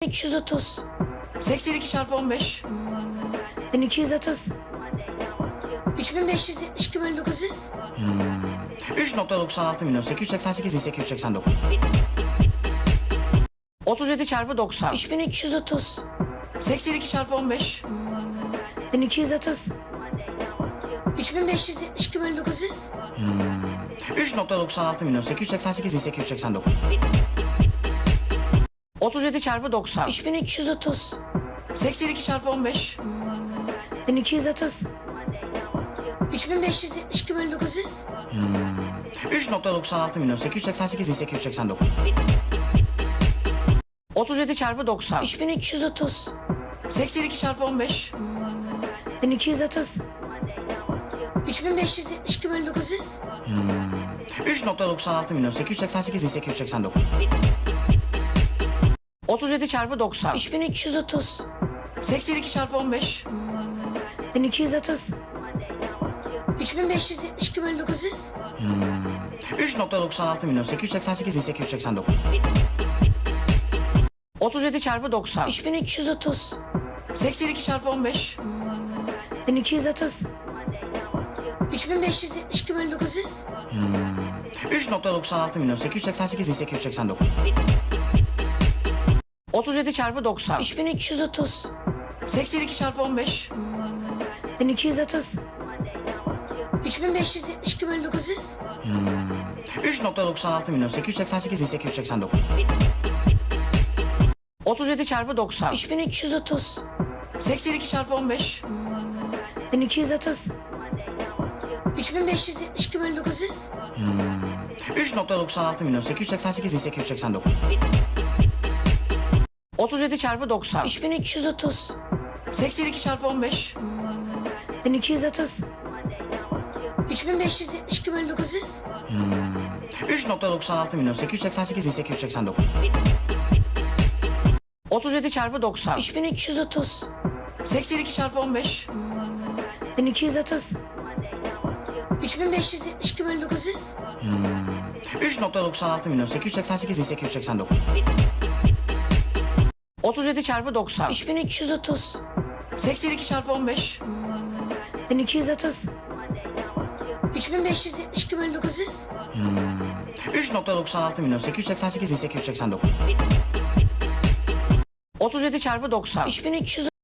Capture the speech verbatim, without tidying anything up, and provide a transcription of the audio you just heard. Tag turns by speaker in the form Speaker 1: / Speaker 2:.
Speaker 1: üç yüz otuz.
Speaker 2: seksen iki çarpı on beş.
Speaker 1: bin iki yüz otuz. üç bin beş yüz yetmiş iki bölü dokuz yüz.
Speaker 2: üç nokta doksan altı milyon sekiz yüz seksen sekiz bin sekiz yüz seksen dokuz. otuz yedi çarpı doksan.
Speaker 1: üç bin üç yüz otuz.
Speaker 2: seksen iki çarpı on beş.
Speaker 1: bin iki yüz otuz. üç bin beş yüz yetmiş iki bölü dokuz yüz.
Speaker 2: üç nokta doksan altı milyon sekiz yüz seksen sekiz bin sekiz yüz seksen dokuz. otuz yedi çarpı doksan.
Speaker 1: üç bin üç yüz otuz.
Speaker 2: seksen iki çarpı on beş.
Speaker 1: bin iki yüz otuz. üç bin beş yüz yetmiş iki bölü dokuz yüz.
Speaker 2: üç nokta doksan altı milyon sekiz yüz seksen sekiz bin sekiz yüz seksen dokuz. otuz yedi çarpı doksan.
Speaker 1: üç bin üç yüz otuz.
Speaker 2: seksen iki çarpı on beş.
Speaker 1: bin iki yüz otuz. üç bin beş yüz yetmiş iki bölü dokuz yüz.
Speaker 2: üç nokta doksan altı milyon sekiz yüz seksen sekiz bin sekiz yüz seksen dokuz. otuz yedi çarpı doksan.
Speaker 1: üç bin üç yüz otuz.
Speaker 2: seksen iki çarpı on beş.
Speaker 1: bin iki yüz otuz. üç bin beş yüz yetmiş iki bölü dokuz yüz.
Speaker 2: üç nokta doksan altı milyon sekiz yüz seksen sekiz bin sekiz yüz seksen dokuz. otuz yedi çarpı doksan.
Speaker 1: üç bin üç yüz otuz.
Speaker 2: seksen iki çarpı on beş.
Speaker 1: bin iki yüz otuz. üç bin beş yüz yetmiş iki bölü dokuz yüz.
Speaker 2: üç nokta doksan altı milyon sekiz yüz seksen sekiz bin sekiz yüz seksen dokuz. otuz yedi çarpı doksan.
Speaker 1: üç bin üç yüz otuz.
Speaker 2: seksen iki çarpı on beş.
Speaker 1: bin iki yüz otuz. üç bin beş yüz yetmiş iki bölü dokuz yüz.
Speaker 2: üç nokta doksan altı milyon sekiz yüz seksen sekiz bin sekiz yüz seksen dokuz. otuz yedi çarpı doksan.
Speaker 1: üç bin üç yüz otuz.
Speaker 2: seksen iki çarpı on beş.
Speaker 1: bin iki yüz otuz. üç bin beş yüz yetmiş iki bölü dokuz yüz.
Speaker 2: üç nokta doksan altı milyon sekiz yüz seksen sekiz bin sekiz yüz seksen dokuz. otuz yedi çarpı doksan.
Speaker 1: üç bin üç yüz otuz.
Speaker 2: seksen iki çarpı on beş.
Speaker 1: bin iki yüz otuz. üç bin beş yüz yetmiş iki bölü dokuz yüz.
Speaker 2: üç nokta doksan altı milyon sekiz yüz seksen sekiz bin sekiz yüz seksen dokuz. otuz yedi çarpı doksan.
Speaker 1: üç bin üç yüz otuz.
Speaker 2: seksen iki çarpı on beş.
Speaker 1: bin iki yüz otuz. üç bin beş yüz yetmiş iki bölü dokuz yüz.
Speaker 2: üç nokta doksan altı milyon sekiz yüz seksen sekiz bin sekiz yüz seksen dokuz. otuz yedi çarpı doksan.
Speaker 1: üç bin üç yüz otuz.
Speaker 2: seksen iki çarpı on beş.
Speaker 1: bin iki yüz otuz. üç bin beş yüz yetmiş iki bölü dokuz yüz.
Speaker 2: üç nokta doksan altı milyon sekiz yüz seksen sekiz bin sekiz yüz seksen dokuz. otuz yedi çarpı doksan.
Speaker 1: üç bin üç yüz